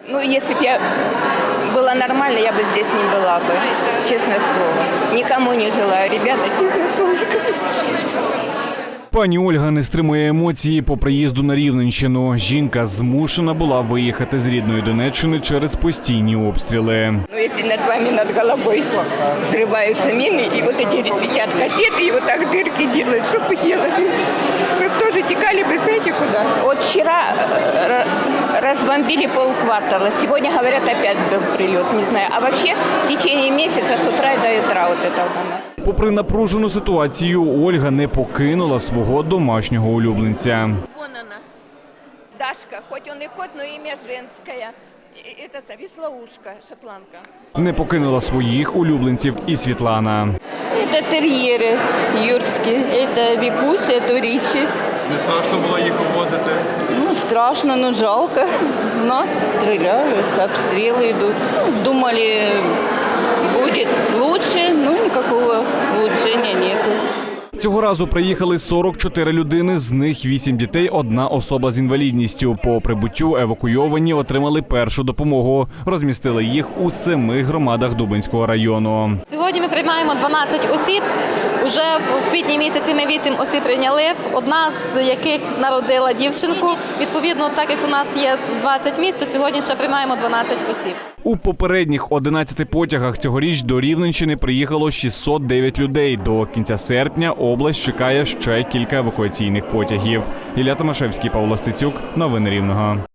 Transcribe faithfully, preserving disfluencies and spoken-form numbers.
Ну, если бы я была нормальна, я бы здесь не была бы, честное слово. Никому не желаю, ребята, честное слово, никому не желаю. Пані Ольга не стримує емоції по приїзду на Рівненщину. Жінка змушена була виїхати з рідної Донеччини через постійні обстріли. Ну, если над вами, над головой взрываются мины, и вот эти летят кассеты, и вот так дырки делают, что бы делать? Вы бы тоже текали бы, знаете, куда? Вот вчера э, разбомбили полквартала, сегодня, говорят, опять был прилет, не знаю. А вообще в течение месяца с утра до утра вот это вот у нас. Попри напружену ситуацію, Ольга не покинула свого домашнього улюбленця. Вон она, Дашка, хоть он и кот, но имя женское. И- Это веслоушка, шотландка. Не покинула своїх улюбленців і Світлана. Это терьеры юрские, это Викуся, это Ричи. Не страшно було їх обвозити? Ну, страшно, но жалко. Нас стреляют, обстрелы идут. Ну, думали, будет лучше, но никакого улучшения нету. Цього разу приїхали сорок чотири людини, з них вісім дітей, одна особа з інвалідністю. По прибуттю евакуйовані отримали першу допомогу. Розмістили їх у семи громадах Дубенського району. Сьогодні ми приймаємо дванадцять осіб. Уже в квітні місяці ми вісім осіб прийняли, одна з яких народила дівчинку. Відповідно, так як у нас є двадцять місць, то сьогодні ще приймаємо дванадцять осіб. У попередніх одинадцяти потягах цьогоріч до Рівненщини приїхало шістсот дев'ять людей. До кінця серпня область чекає ще кілька евакуаційних потягів. Ілля Томашевський, Павло Стецюк. Новини Рівного.